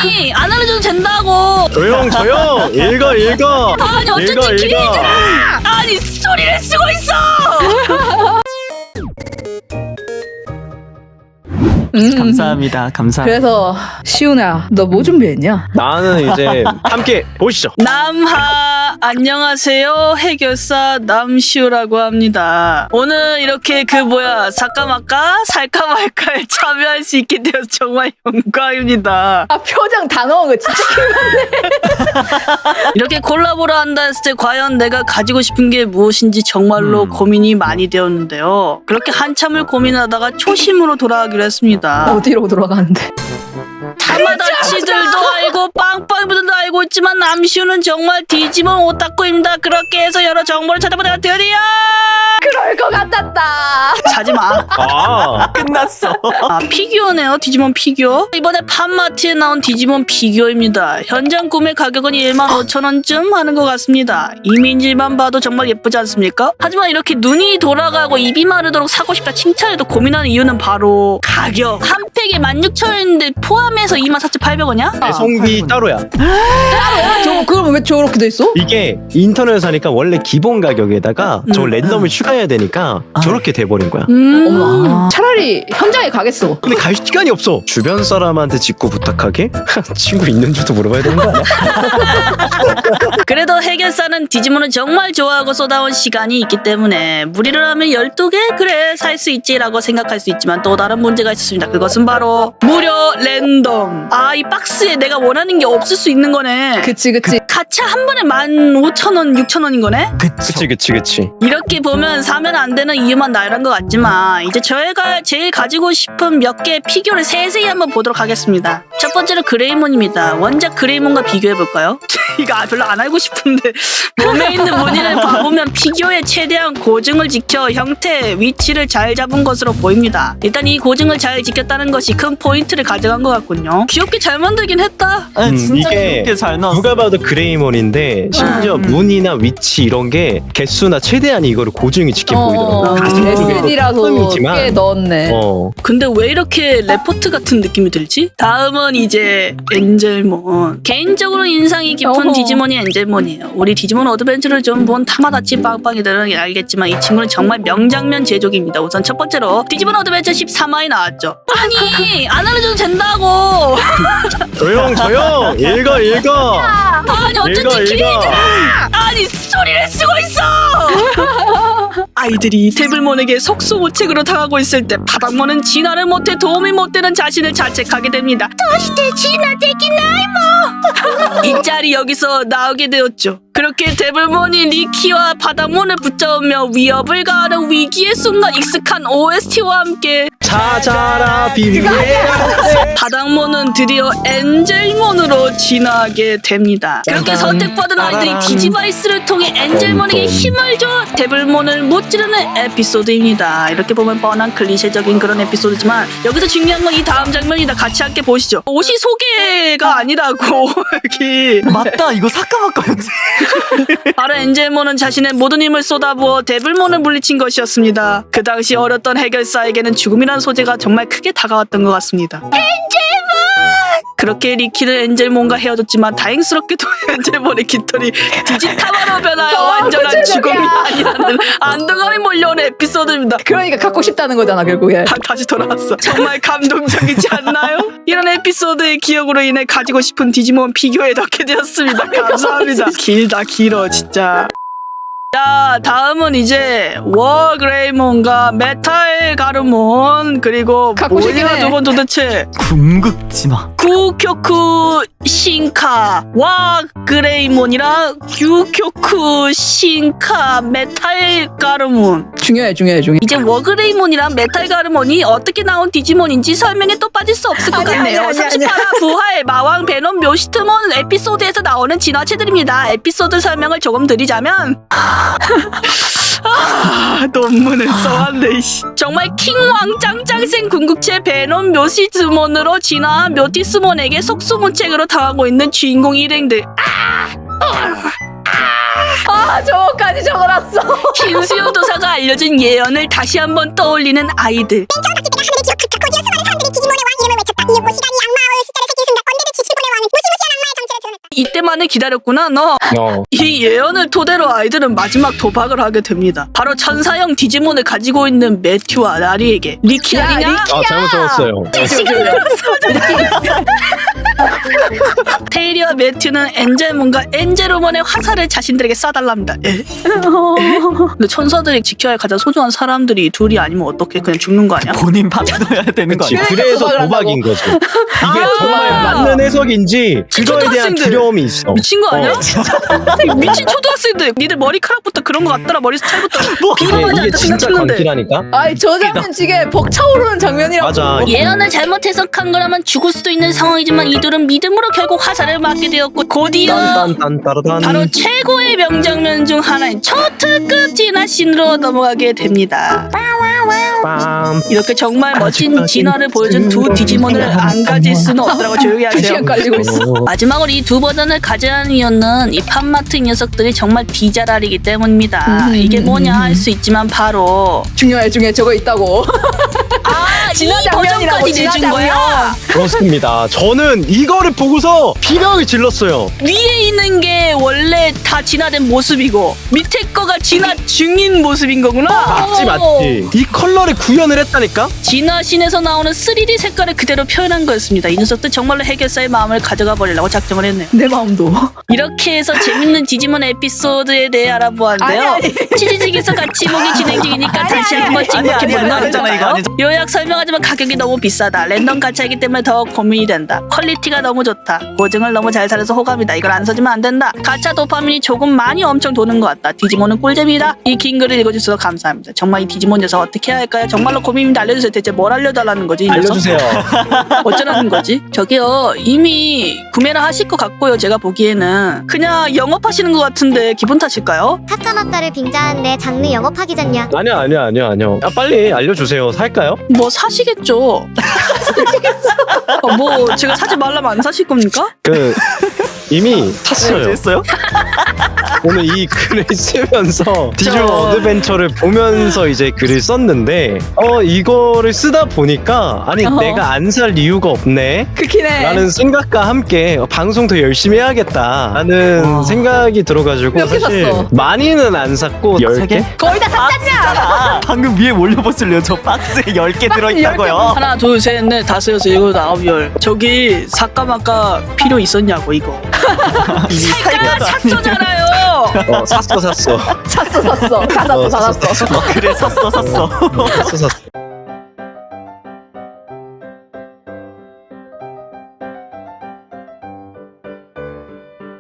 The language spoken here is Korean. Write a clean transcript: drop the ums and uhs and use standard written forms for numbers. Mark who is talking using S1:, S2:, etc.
S1: 아니 안 알려줘도 된다고.
S2: 조용 읽어
S1: 아니 어쨌든 길이잖아. 아니 소리를 쓰고 있어.
S3: 감사합니다. 감사합니다.
S4: 그래서 시훈아, 너 뭐 준비했냐?
S2: 나는 이제 함께 보시죠.
S1: 남하 안녕하세요. 해결사 남시우라고 합니다. 오늘 이렇게 사까마까 살까 말까에 참여할 수 있게 되어서 정말 영광입니다.
S4: 아, 표정 다 넣은 거 진짜
S1: 이렇게 콜라보를 한다 했을 때 과연 내가 가지고 싶은 게 무엇인지 정말로 고민이 많이 되었는데요. 그렇게 한참을 고민하다가 초심으로 돌아가기로 했습니다.
S4: 어디로 돌아가는데?
S1: 타마다치들도 알고 빵빵이들도 알고 있지만 남시우는 정말 디지몬 오타쿠입니다. 그렇게 해서 여러 정보를 찾아보다가 드디어
S4: 그럴 것 같았다.
S1: 사지마.
S3: 끝났어.
S1: 피규어네요. 디지몬 피규어. 이번에 팜마트에 나온 디지몬 피규어입니다. 현장 구매 가격은 15,000원쯤 하는 것 같습니다. 이미지만 봐도 정말 예쁘지 않습니까? 하지만 이렇게 눈이 돌아가고 입이 마르도록 사고 싶다 칭찬해도 고민하는 이유는 바로 가격. 한 팩에 16,000원인데 포함해서 24,800원이야?
S2: 배송비 따로야.
S4: 그럼 왜 저렇게 돼 있어?
S2: 이게 인터넷에서 사니까 원래 기본 가격에다가 저 랜덤을 추가해야 되니까 저렇게 돼버린 거야.
S4: 어머, 차라리 현장에 가겠어.
S2: 근데 갈 시간이 없어. 주변 사람한테 직구 부탁하게? 친구 있는 줄도 물어봐야 되는 거 아니야?
S1: 그래도 해결사는 디지몬을 정말 좋아하고 쏟아온 시간이 있기 때문에 무리를 하면 12개? 그래 살 수 있지라고 생각할 수 있지만 또 다른 문제가 있었습니다. 그것은 바로 무료 랜덤. 이 박스에 내가 원하는 게 없을 수 있는 거네.
S4: 그치.
S1: 가차 한 번에 15,000원, 6,000원인 거네?
S2: 그치.
S1: 이렇게 보면 사면 안 되는 이유만 나열한 것 같지만 이제 저희가 제일 가지고 싶은 몇 개의 피규어를 세세히 한번 보도록 하겠습니다. 첫 번째로 그레이몬입니다. 원작 그레이몬과 비교해볼까요? 이거 별로 안 알고 싶은데 몸에 있는 무늬를 봐보면 피규어의 최대한 고증을 지켜 형태, 위치를 잘 잡은 것으로 보입니다. 일단 이 고증을 잘 지켰다는 것이 큰 포인트를 가져간 것 같군요. 귀엽게 잘 만들긴 했다.
S3: 진짜
S2: 이게
S3: 귀엽게 잘 나왔어.
S2: 누가 봐도 그레이몬인데 심지어 무늬나 위치 이런 게 개수나 최대한 이거를 고증이 지켜 보이더라고.
S4: SD라서 꽤 넣었네.
S1: 근데 왜 이렇게 레포트 같은 느낌이 들지? 다음은 이제 엔젤몬. 개인적으로 인상이 깊은 디지몬이 엔젤몬이에요. 우리 디지몬 어드벤처를 좀 본 타마다치 빵빵이들은 알겠지만 이 친구는 정말 명장면 제조기입니다. 우선 첫 번째로 디지몬 어드벤처 13화에 나왔죠. 아니 안 알려줘도 된다고.
S2: 조용 읽어
S1: 아니 어쨌든 길이잖아. 아니 소리를 쓰고 있어. 아이들이 데블몬에게 속수무책으로 당하고 있을 때 바닥몬은 진화를 못해 도움이 못 되는 자신을 자책하게 됩니다. 도시대 진화 되기나이 뭐. 이 짤이 여기서 나오게 되었죠. 그렇게 데블몬이 리키와 바닥몬을 붙잡으며 위협을 가하는 위기의 순간 익숙한 OST와 함께
S2: 찾아라 비밀의
S1: 바닥몬은 드디어 엔젤몬으로 진화하게 됩니다. 그렇게 선택받은 아이들이 디지바이스를 통해 엔젤몬에게 힘을 줘 데블몬을 못 지르는 에피소드입니다. 이렇게 보면 뻔한 클리셰적인 그런 에피소드지만 여기서 중요한 건 이 다음 장면이다. 같이 함께 보시죠. 옷이 소개가 아니라고 여기.
S3: 맞다. 이거 사까마까였지.
S1: 바로 엔젤몬은 자신의 모든 힘을 쏟아부어 데블몬을 물리친 것이었습니다. 그 당시 어렸던 해결사에게는 죽음이란 소재가 정말 크게 다가왔던 것 같습니다. 그렇게 리키는 엔젤몬과 헤어졌지만 다행스럽게도 엔젤몬의 깃털이 디지타마로 변하여 완전한 죽음이 아니라는 안도감이 몰려오는 에피소드입니다.
S4: 그러니까 갖고 싶다는 거잖아 결국에.
S1: 다시 돌아왔어. 정말 감동적이지 않나요? 이런 에피소드의 기억으로 인해 가지고 싶은 디지몬 피규어에 넣게 되었습니다. 감사합니다. 길어 진짜. 자, 다음은 이제 워그레이몬과 메탈 가르몬 그리고 뭐야 저건 도대체
S3: 궁극지마.
S1: 구교쿠 신카 와그레이몬이랑 규교쿠 신카 메탈 가르몬.
S4: 중요해.
S1: 이제 워그레이몬이랑 메탈 가르몬이 어떻게 나온 디지몬인지 설명에 또 빠질 수 없을 것 같네요. 38화 부활 마왕 베놈 묘시트몬 에피소드에서 나오는 진화체들입니다. 에피소드 설명을 조금 드리자면 논문을 써왔네. 정말 킹왕 짱짱생 궁극체 베놈 묘시트몬으로 진화한 묘티스몬에게 속수무책으로 당하고 있는 주인공 일행들.
S4: 저거까지 적어놨어.
S1: 흰수염 도사가 알려준 예언을 다시 한번 떠올리는 아이들.
S5: 맨 처음 같을 때가 하늘을 기록했다. 곧이어 수많은 사람들이 디지몬의 왕 이름을 외쳤다. 이윽고 시간이 악마와 숫자를 새긴 순간 언제든 지킬 보낼 왕이
S1: 이때만을 기다렸구나 너. 이 예언을 토대로 아이들은 마지막 도박을 하게 됩니다. 바로 천사형 디지몬을 가지고 있는 매튜와 나리에게 리키
S4: 야,
S1: 아니냐?
S2: 아 잘못 적었어요.
S1: 테일리와 매튜는 엔젤몬과 엔젤우먼의 화살을 자신들에게 쏴달랍니다. 에? 근데 천사들이 지켜야 할 가장 소중한 사람들이 둘이 아니면 어떻게 그냥 죽는 거 아니야?
S3: 본인 받아야 되는 거
S2: 그치,
S3: 아니야?
S2: 그래서
S4: 도박을
S2: 도박인 거지. 이게
S1: 아.
S2: 정말 맞는 해석인지 그거에 대한
S1: 초등학생들.
S2: 두려움이 있어.
S1: 미친 거 아니야?
S2: 어.
S1: 미친 초등학생들. 니들 머리카락부터 그런 거 같더라. 머리 스타일부터 비범하지
S2: 이게
S1: 않다
S2: 진짜
S1: 생각했는데.
S2: 광기라니까.
S4: 아이 저 장면 지게 벅차오르는 장면이라고.
S2: 맞아.
S1: 예언을 잘못 해석한 거라면 죽을 수도 있는 상황이지만 이들은 믿음으로 결국 화살을 맞게 되었고 곧이어
S2: 딴딴딴따라단.
S1: 바로 최고의 명장면 중 하나인 초특급 진화씬으로 넘어가게 됩니다.
S2: 빰.
S1: 이렇게 정말 멋진 진화를 보여준 두 디지몬을 안 가질 수는 없더라고. 조용히 하세요.
S4: 2시간 깔리고 있어.
S1: 마지막으로 이 두 버전을 가져가는 이유는 이 팝마트 이 녀석들이 정말 비자랄이기 때문입니다. 이게 뭐냐 할 수 있지만 바로
S4: 중요해 저거 있다고. 진화
S1: 이
S4: 장면이라고,
S1: 버전까지
S4: 진화
S1: 내준 거야.
S2: 그렇습니다. 저는 이거를 보고서 비명을 질렀어요.
S1: 위에 있는 게 원래 다 진화된 모습이고 밑에 거가 진화 중인 모습인 거구나.
S2: 맞지 맞지. 이 컬러를 구현을 했다니까.
S1: 진화신에서 나오는 3D 색깔을 그대로 표현한 거였습니다. 이 녀석들 정말로 해결사의 마음을 가져가 버리려고 작정을 했네요.
S4: 내 마음도.
S1: 이렇게 해서 재밌는 디지몬 에피소드에 대해 알아보았는데요.
S4: 아니.
S1: 치즈직에서 같이 보기 진행 중이니까 다시 한번 찍먹해보는
S3: 아니잖아 이거 아니죠.
S1: 요약 설명하지만 가격이 너무 비싸다. 랜덤 가차이기 때문에 더 고민이 된다. 퀄리티가 너무 좋다. 고증을 너무 잘 살려서 호감이다. 이걸 안 써주면 안 된다. 가차 도파민이 조금 많이 엄청 도는 것 같다. 디지몬은 꿀잼이다. 이 긴 글을 읽어주셔서 감사합니다. 정말 이 디지몬 녀석 어떻게 해야 할까요? 정말로 고민입니다. 알려주세요. 대체 뭘 알려달라는 거지? 이 녀석?
S2: 알려주세요.
S1: 어쩌라는 거지? 저기요 이미 구매를 하실 것 같고요. 제가 보기에는 그냥 영업하시는 것 같은데 기분 탓일까요?
S5: 카카마카를 빙자한데 장르 영업하기 전냐?
S2: 아니요. 아, 빨리 알려주세요. 살까요?
S1: 뭐 사시겠죠. 뭐 제가 사지 말라면 안 사실 겁니까?
S2: 이미 탔어요.
S3: 했어요?
S2: 오늘 이 글을 쓰면서 디지몬
S1: 저-
S2: 어드벤처를 보면서 이제 글을 썼는데 이거를 쓰다 보니까 아니 내가 안 살 이유가 없네
S4: 그키네.
S2: 라는 생각과 함께 방송 더 열심히 해야겠다라는
S3: 와.
S2: 생각이 들어가지고
S4: 몇개
S2: 사실
S4: 샀어?
S2: 많이는 안 샀고
S3: 세
S2: 10개?
S3: 개?
S4: 거의 다 샀잖냐.
S3: 아, 방금 위에 올려보실래요? 저 박스에 10개 들어있다고요.
S1: 하나 둘 셋 넷 다섯 여섯 일곱 아홉 열. 저기 사까마까 필요 있었냐고 이거. 살까 샀어잖아요.
S2: 샀어
S4: 샀어. 다 샀어.
S3: 그래 샀어.
S2: 샀어